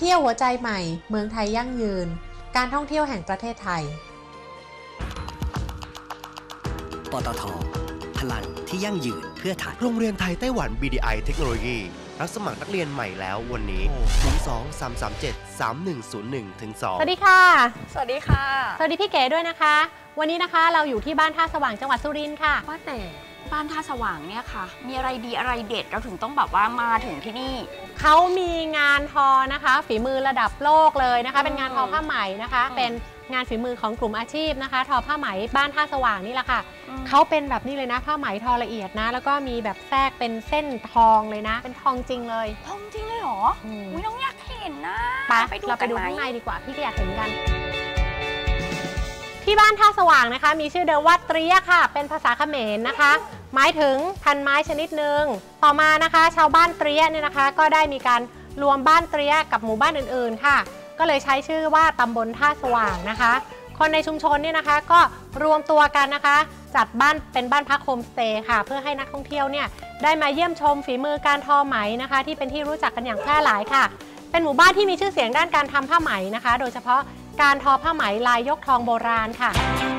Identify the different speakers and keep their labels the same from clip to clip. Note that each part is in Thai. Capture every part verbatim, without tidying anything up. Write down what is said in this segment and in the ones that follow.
Speaker 1: ที่ยวหัวใจใหม่เมืองไทยยั่งยืนการท่องเที่ยวแห่งประเทศไทย
Speaker 2: ปตท.พลังที่ยั่งยืนเพื่อไทย
Speaker 3: โรงเรียนไทยไต้หวัน บี ดี ไอ เทคโนโลยีรับสมัครนักเรียนใหม่แล้ววันนี้ศูนย์ สอง สาม สาม เจ็ด สาม หนึ่ง ศูนย์ หนึ่ง ถึง สอง
Speaker 4: สวัสดีค่ะ
Speaker 5: สวัสดีค่ะ
Speaker 4: สวัสดีพี่เก๋ด้วยนะคะวันนี้นะคะเราอยู่ที่บ้านท่าสว่างจังหวัดสุรินทร์ค่ะ
Speaker 5: ว่าแต่บ้านท่าสว่างเนี่ยค่ะมีอะไรดีอะไรเด็ดเราถึงต้องแบบว่ามาถึงที่นี่
Speaker 4: เขามีงานทอนะคะฝีมือระดับโลกเลยนะคะเป็นงานทอผ้าไหมนะคะเป็นงานฝีมือของกลุ่มอาชีพนะคะทอผ้าไหมบ้านท่าสว่างนี่แหละค่ะเขาเป็นแบบนี้เลยนะผ้าไหมทอละเอียดนะแล้วก็มีแบบแทรกเป็นเส้นทองเลยนะเป็นทองจริงเลย
Speaker 5: ทองจริงเลยเหรออุ้ยน้องอยากเห็นนะ
Speaker 4: ไปเราไปดูข้างในดีกว่าพี่ก็อยากเห็นกันที่บ้านท่าสว่างนะคะมีชื่อเดิมว่าเตรียค่ะเป็นภาษาเขมรนะคะหมายถึงพันไม้ชนิดหนึ่งต่อมานะคะชาวบ้านเตรียเนี่ยนะคะก็ได้มีการรวมบ้านเตรียกับหมู่บ้านอื่นๆค่ะก็เลยใช้ชื่อว่าตำบลท่าสว่างนะคะคนในชุมชนเนี่ยนะคะก็รวมตัวกันนะคะจัดบ้านเป็นบ้านพักโฮมสเตย์ค่ะเพื่อให้นักท่องเที่ยวเนี่ยได้มาเยี่ยมชมฝีมือการทอไหมนะคะที่เป็นที่รู้จักกันอย่างแพร่หลายค่ะเป็นหมู่บ้านที่มีชื่อเสียงด้านการทำผ้าไหมนะคะโดยเฉพาะการทอผ้าไหมลายยกทองโบราณค่ะ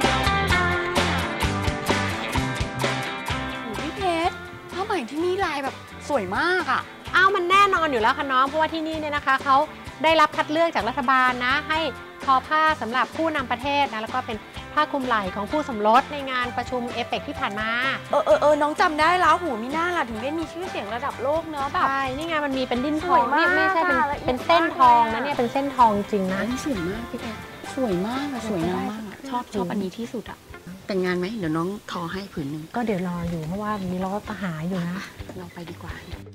Speaker 5: พี่เพชรผ้าไหมที่นี่ลายแบบสวยมากอ่ะ
Speaker 4: อ้าวมันแน่นอนอยู่แล้วค่ะน้องเพราะว่าที่นี่เนี่ยนะคะเขาได้รับคัดเลือกจากรัฐบาลนะให้ทอผ้าสำหรับผู้นำประเทศนะแล้วก็เป็นผ้าคลุมไหล่ของผู้สมรสในงานประชุมเอเปกที่ผ่านมา
Speaker 5: เออเออเออน้องจำได้แล้วหูมีหน้าล่ะถึงได้มีชื่อเสียงระดับโลกเนอะแบบ
Speaker 4: ใช่นี่ไงมันมีเป็นดิ้นทองนี่ไม่ใช่เป็นเป็นเส้นทองนะเนี่ยเป็นเส้นทองจริงนะ
Speaker 5: สวยมากพี่แกสวยมากสวยงามมากชอบชอบอันนี้ที่สุดอะแต่งงานไหมเดี๋ยวน้องทอให้ผืนหนึ่ง
Speaker 4: ก็เดี๋ยวรออยู่เพราะว่ามีล้อทหารอยู่นะ
Speaker 5: เราไปดีกว่า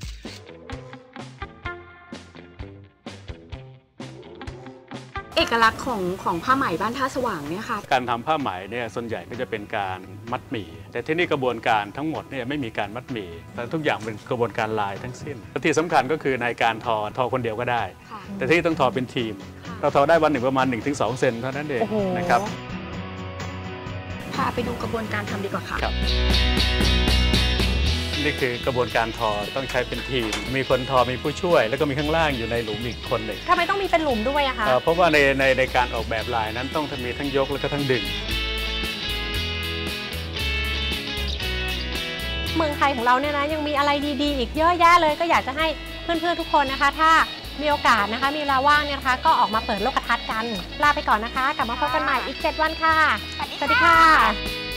Speaker 5: เอกลักษณ์ของของผ้าไหมบ้านท่าสว่างเนี่ยค่ะ
Speaker 6: การทำผ้าไหมเนี่ยส่วนใหญ่ก็จะเป็นการมัดหมี่แต่ที่นี่กระบวนการทั้งหมดเนี่ยไม่มีการมัดหมี่แต่ทุกอย่างเป็นกระบวนการลายทั้งสิ้นและที่สำคัญก็คือในการทอทอคนเดียวก็ได้แต่ที่ต้องทอเป็นทีมเราทอได้วันหนึ่งประมาณ หนึ่งถึงสอง เซนเท่านั้นเองนะครับ
Speaker 5: พาไปดูกระบวนการทำดีกว่าค่ะ
Speaker 6: นี่คือกระบวนการทอต้องใช้เป็นทีมมีคนทอมีผู้ช่วยแล้วก็มีข้างล่างอยู่ในหลุมอีกคนหนึ่ง
Speaker 4: ทำไมต้องมีเป็นหลุมด้วยอะคะ
Speaker 6: เพราะว่าในในในการออกแบบลายนั้นต้องมีทั้งยกแล้วก็ทั้งดึง
Speaker 4: เมืองไทยของเราเนี่ยนะยังมีอะไรดีๆอีกเยอะแยะเลยก็อยากจะให้เพื่อนๆทุกคนนะคะถ้ามีโอกาสนะคะมีเวลาว่างเนี่ยนะคะก็ออกมาเปิดโลกทัศน์กันลาไปก่อนนะคะกลับมาพบกันใหม่อีกเจ็ดวันค่ะ
Speaker 5: สวัสดีค่ะ